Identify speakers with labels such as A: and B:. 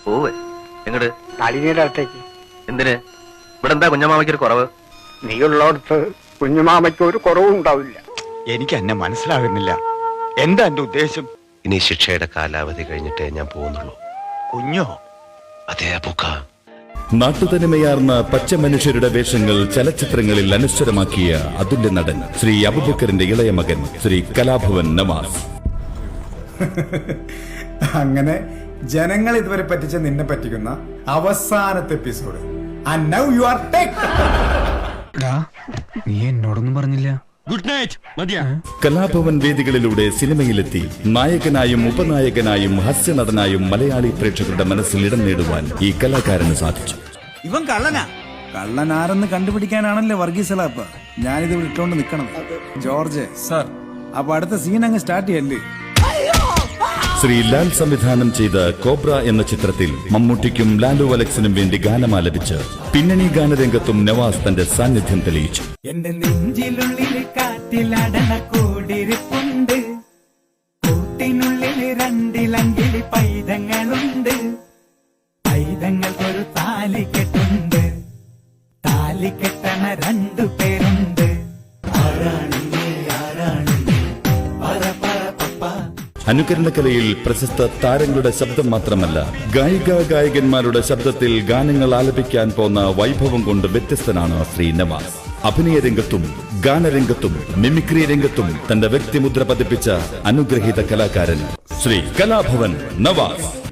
A: പോവേ എങ്ങട്?
B: നളിനിയുടെ അടുത്തേക്ക്.
A: എന്തിന്? ഇവിടെ എന്താ കുഞ്ഞമാമയ്ക്കൊരു കുറവ്?
B: നീ ഉള്ളടത്ത് കുഞ്ഞുമാമയ്ക്ക് ഒരു കുറവും ഉണ്ടാവില്ല.
C: എനിക്ക് എന്നെ മനസ്സിലാകുന്നില്ല. എന്താ എന്റെ ഉദ്ദേശം?
A: ഇനി ശിക്ഷയുടെ കാലാവധി കഴിഞ്ഞിട്ടേ ഞാൻ പോകുന്നുള്ളൂ.
C: കുഞ്ഞോ?
A: അതേ അപ്പൂക്ക.
D: നാട്ടുതനിമയാർന്ന പച്ച മനുഷ്യരുടെ വേഷങ്ങൾ ചലച്ചിത്രങ്ങളിൽ അനശ്വരമാക്കിയ അതുല്യ നടൻ ശ്രീ അബൂബക്കറിന്റെ ഇളയ മകൻ ശ്രീ കലാഭവൻ നവാസ്.
E: അങ്ങനെ ജനങ്ങൾ ഇതുവരെ പറ്റിച്ച നിന്നെ പറ്റിക്കുന്ന അവസാനത്തെ episode. And now you are
F: നീ എന്നോടൊന്നും പറഞ്ഞില്ല.
G: Good night. മതിയാ.
D: കലാഭവൻ വേദികളിലൂടെ സിനിമയിലെത്തി നായകനായും ഉപനായകനായും ഹാസ്യനടനായും മലയാളി പ്രേക്ഷകരുടെ മനസ്സിൽ ഇടം നേടുവാൻ ഈ കലാകാരന് സാധിച്ചു.
H: ഇവൻ കള്ളനാ.
E: കള്ളനാരെന്ന് കണ്ടുപിടിക്കാനാണല്ലോ വർഗീസലാപ്പ ഞാനിത് വിട്ടോണ്ട് നിക്കണം. ജോർജ് സാർ, അപ്പൊ അടുത്ത സീൻ അങ്ങ് സ്റ്റാർട്ട് ചെയ്യല്ലേ?
D: ശ്രീ ലാൽ സംവിധാനം ചെയ്ത കോബ്ര എന്ന ചിത്രത്തിൽ മമ്മൂട്ടിക്കും ലാലു അലക്സിനും വേണ്ടി ഗാനമാലപിച്ച് പിന്നണി ഗാനരംഗത്തും നവാസ് തന്റെ സാന്നിധ്യം തെളിയിച്ചു.
H: എന്റെ നെഞ്ചിലുള്ളിൽ കാറ്റിലടണ കൂടിരിപ്പുണ്ട്, കൂട്ടിനുള്ളിൽ രണ്ടിലങ്കിളി പൈതങ്ങളുണ്ട്, പൈതങ്ങൾക്കൊരു താലി കെട്ടുണ്ട്, താലി കെട്ടണ 2 പേരുണ്ട്.
D: അനുകരണകലയിൽ പ്രശസ്ത താരങ്ങളുടെ ശബ്ദം മാത്രമല്ല, ഗായികാഗായകന്മാരുടെ ശബ്ദത്തിൽ ഗാനങ്ങൾ ആലപിക്കാൻ പോന്ന വൈഭവം കൊണ്ട് വ്യത്യസ്തനാണ് ശ്രീ നവാസ്. അഭിനയ രംഗത്തും ഗാനരംഗത്തും മിമിക്രി രംഗത്തും തന്റെ വ്യക്തിമുദ്ര പതിപ്പിച്ച അനുഗ്രഹീത കലാകാരൻ ശ്രീ കലാഭവൻ നവാസ്.